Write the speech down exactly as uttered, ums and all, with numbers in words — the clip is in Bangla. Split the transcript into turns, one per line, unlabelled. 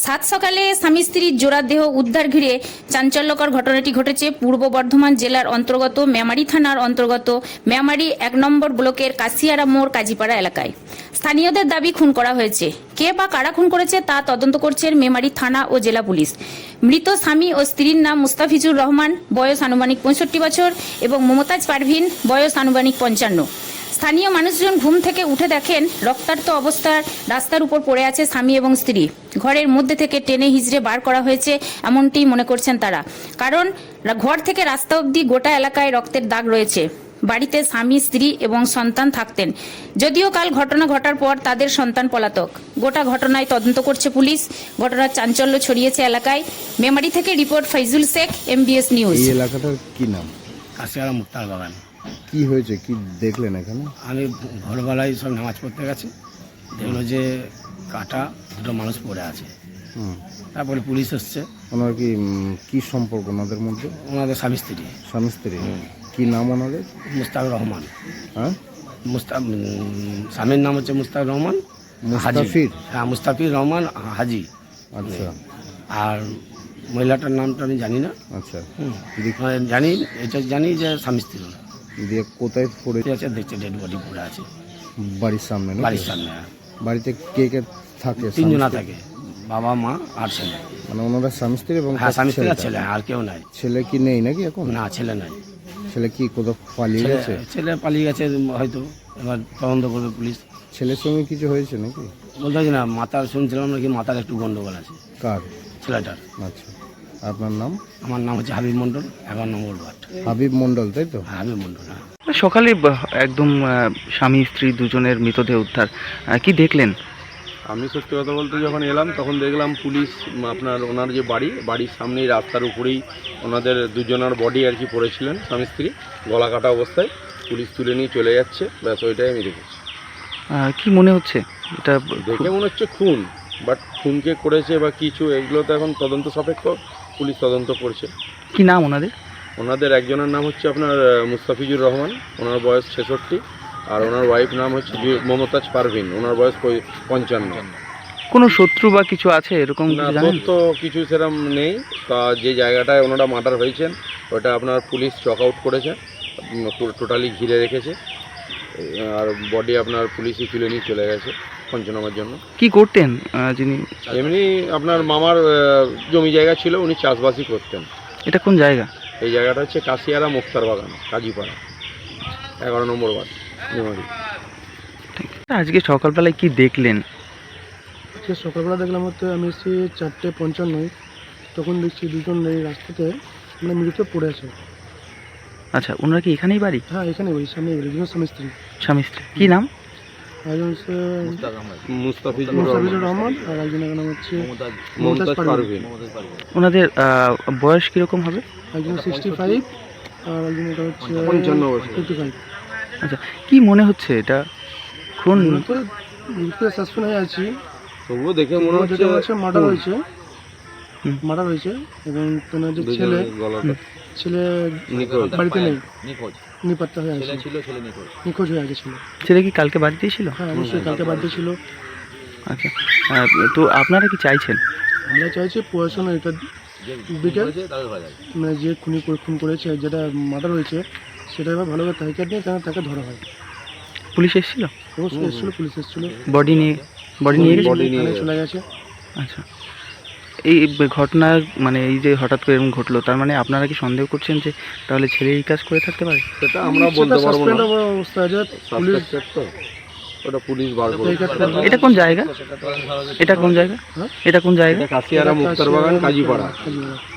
সাত সকালে স্বামী স্ত্রীর জোড়া দেহ উদ্ধার ঘিরে চাঞ্চল্যকর ঘটনাটি ঘটেছে পূর্ব বর্ধমান জেলার অন্তর্গত মেমারি থানার অন্তর্গত মেমারি এক নম্বর ব্লকের কাশিয়ারা মোড় কাজীপাড়া এলাকায়। স্থানীয়দের দাবি খুন করা হয়েছে। কে বা কারা খুন করেছে তা তদন্ত করছে মেমারি থানা ও জেলা পুলিশ। মৃত স্বামী ও স্ত্রীর নাম মুস্তাফিজুর রহমান, বয়স আনুমানিক পঁয়ষট্টি বছর, এবং মমতাজ পারভিন, বয়স আনুমানিক পঞ্চান্ন। স্থানীয় মানুষজন ঘুম থেকে উঠে দেখেন রক্তাক্ত অবস্থার রাস্তার উপর পড়ে আছে স্বামী এবং স্ত্রী। ঘরের মধ্যে থেকে টেনে হিজড়ে বার করা হয়েছে এমনটি মনে করছেন তারা, কারণ ঘর থেকে রাস্তা অবধি গোটা এলাকায় রক্তের দাগ রয়েছে। বাড়িতে স্বামী, স্ত্রী এবং সন্তান থাকতেন, যদিও কাল ঘটনা ঘটার পর তাদের সন্তান পলাতক। গোটা ঘটনায় তদন্ত করছে পুলিশ। ঘটনার চাঞ্চল্য ছড়িয়েছে এলাকায়। মেমারি থেকে report Faizul Sheikh, MBS news.
এই এলাকাটার কি নাম?
কাশিয়ারা মুক্তার বাগান।
কি হয়েছে, কি দেখলেন এখানে?
আমি ভোরবেলায় সব নামাজ পড়তে গেছি, দেখলো যে কাটা দুটো মানুষ পড়ে আছে।
হুম,
তারপরে পুলিশ এসছে।
ওনার কি উম, কি সম্পর্ক ওনাদের মধ্যে?
ওনাদের স্বামী স্ত্রী।
স্বামী স্ত্রী? কি নাম ওনাদের?
মুস্তাক রহমান।
হ্যাঁ,
মুস্তা স্বামীর নাম হচ্ছে মুস্তাক রহমান হাজি।
মুস্তাফির?
হ্যাঁ, মুস্তাফির রহমান হাজি।
আচ্ছা
আর মহিলাটার নামটা আমি জানি না।
আচ্ছা,
হুম, মানে জানি, এটা জানি যে স্বামী স্ত্রী ওরা।
দিয়ে কোথায় পড়ে
আছে দেখছে, ডেড বডি পড়ে আছে
বাড়ির সামনে নাকি?
বাড়ির সামনে।
বাড়িতে কে কে থাকে?
তিনজনা থাকে, বাবা, মা আর ছেলে।
মানে ওনারা স্বামী স্ত্রী এবং
হ্যাঁ, স্বামী স্ত্রী আর
ছেলেটা?
ছেলে, আর কেউ নাই।
ছেলে কি নেই নাকি এখন?
না, ছেলে নাই।
ছেলে কি কোথাও পালিয়ে
ছেলে
গেছে?
ছেলে পালিয়ে গেছে হয়তো, এবার তদন্ত করবে পুলিশ।
ছেলের সঙ্গে কিছু হয়েছে নাকি?
বলতে পারছি না, মাথার শুনছিলাম নাকি মাথার একটু গন্ডগোল আছে
কার?
ছেলেটার।
আচ্ছা, আপনার নাম?
আমার নাম হচ্ছে হাবিব মণ্ডল, এগারো নম্বর ওয়ার্ড।
হাবিব মণ্ডল, তাই তো?
হ্যাঁ, হাবিব মণ্ডল। হ্যাঁ,
সকালে ব- একদম আহ, স্বামী স্ত্রী দুজনের মৃতদেহ উদ্ধার, আহ, কি দেখলেন?
আমি সত্যি কথা বলতে যখন এলাম তখন দেখলাম পুলিশ উম, আপনার ওনার যে বাড়ি বাড়ির সামনেই রাস্তার উপরেই ওনাদের দুজনের বডি আর কি পড়েছিলেন, স্বামী স্ত্রী, গলা কাটা অবস্থায়। পুলিশ তুলে নিয়ে চলে যাচ্ছে, ব্যাস ওইটাই আমি দেখেছি।
আহ, কি মনে হচ্ছে এটা?
দেখে মনে হচ্ছে খুন, বাট খুনকে করেছে বা কিছু, এগুলো তো এখন তদন্ত সাপেক্ষ, পুলিশ তদন্ত করছে।
কি নাম ওনাদের?
ওনাদের একজনের নাম হচ্ছে আপনার আহ, মুস্তাফিজুর রহমান, ওনার বয়স ছেষট্টি, আর ওনার ওয়াইফ নাম হচ্ছে জু- মমতাজ পারভিন, ওনার বয়স পঁয়- পঞ্চান্ন।
কোনো শত্রু বা কিছু আছে এরকম
না,
কিছু জানেন?
তথ্য কিছু সেরকম নেই। তা যে জায়গাটায় ওনারা মার্ডার হয়েছেন ওটা আপনার পুলিশ চক আউট করেছে, টোটালি ঘিরে রেখেছে, আর বডি আপনার পুলিশই তুলে নিয়ে চলে গেছে পঞ্চনামার জন্য।
কি করতেন আহ, যিনি?
এমনি আপনার মামার আহ, জমি জায়গা ছিল, উনি চাষবাসই করতেন।
এটা কোন জায়গা?
এই জায়গাটা হচ্ছে কাশিয়ারা মুক্তার বাগান, কাজীপাড়া, এগারো নম্বর ওয়ার্ড, মেমারি।
আজকে সকালবেলায় কি দেখলেন?
সে সকালবেলা দেখলাম হচ্ছে আমি এসেছি চারটে পঞ্চান্নয়, তখন দেখছি দুজন এই রাস্তাতে মানে মৃত পড়ে আছে।
আচ্ছা, ওনারা কি এখানেই বাড়ি?
হ্যাঁ, এখানে ওই সামনে দুজন স্বামী স্ত্রী।
স্বামী স্ত্রী কি নাম?
একজন হচ্ছে
মুস্তাফিজুর
মুস্তাফিজুর
রহমান,
রহমান, আর একজনের নাম হচ্ছে
মমতাজ
মমতাজ
পারভিন।
ওনাদের আহ, বয়স কিরকম হবে?
একজন সিক্সটি ফাইভ আর একজন এটা হচ্ছে
পঞ্চান্ন বছর।
Fifty five.
আচ্ছা, কি মনে হচ্ছে এটা খুন?
মৃত্যু সাসপেন্ড হয়ে আছি,
তবুও দেখে মনে হচ্ছে
যেটা হচ্ছে মার্ডার হয়েছে,
হুম।
মার্ডার হয়েছে। এবং তোমার যে ছেলে
গলাটা
ছেলে
নিখোঁজ।
বাড়িতে নেই, নিপাত্তা হয়ে আছে, নিখোঁজ হয়ে আছে ছেলে।
ছেলে কি কালকে বাড়িতেই ছিল?
হ্যাঁ, অবশ্যই কালকে বার্থডে ছিল।
আচ্ছা, আহ, তো আপনারা কি চাইছেন?
আমরা চাইছি পড়াশোনা এটা দিকে, মানে যে খুনি করে- খুন করেছে, যেটা মার্ডার হয়েছে, সেটা এবার ভালোভাবে তাহিকার নিয়ে তাকে তাকে ধরা হয়।
পুলিশ এসেছিল?
অবশ্যই এসেছিলো, পুলিশ এসেছিলো,
বডি নিয়ে বডি নিয়ে গেছে?
Body নিয়ে
থানায়
গেছে।
চলে গেছে।
আচ্ছা, এই ঘটনা মানে এই যে হঠাৎ করে এরকম ঘটলো, তার মানে আপনারা কি সন্দেহ করছেন যে তাহলে ছেলে এই কাজ করে থাকতে পারে?
সেটা আমরা
সেটা
বলতে পারবো
suspend
না,
অবস্থা আছে, পুলিশ
Suspected তো, ওটা পুলিশ বার করবে।
তাহিকার করবে।
এটা কোন জায়গা? এটা কোন জায়গা?
হ্যাঁ?
এটা কোন জায়গা?
এটা কাশিয়ারা মুক্তার বাগান, কাজীপাড়া।
কাজীপাড়া।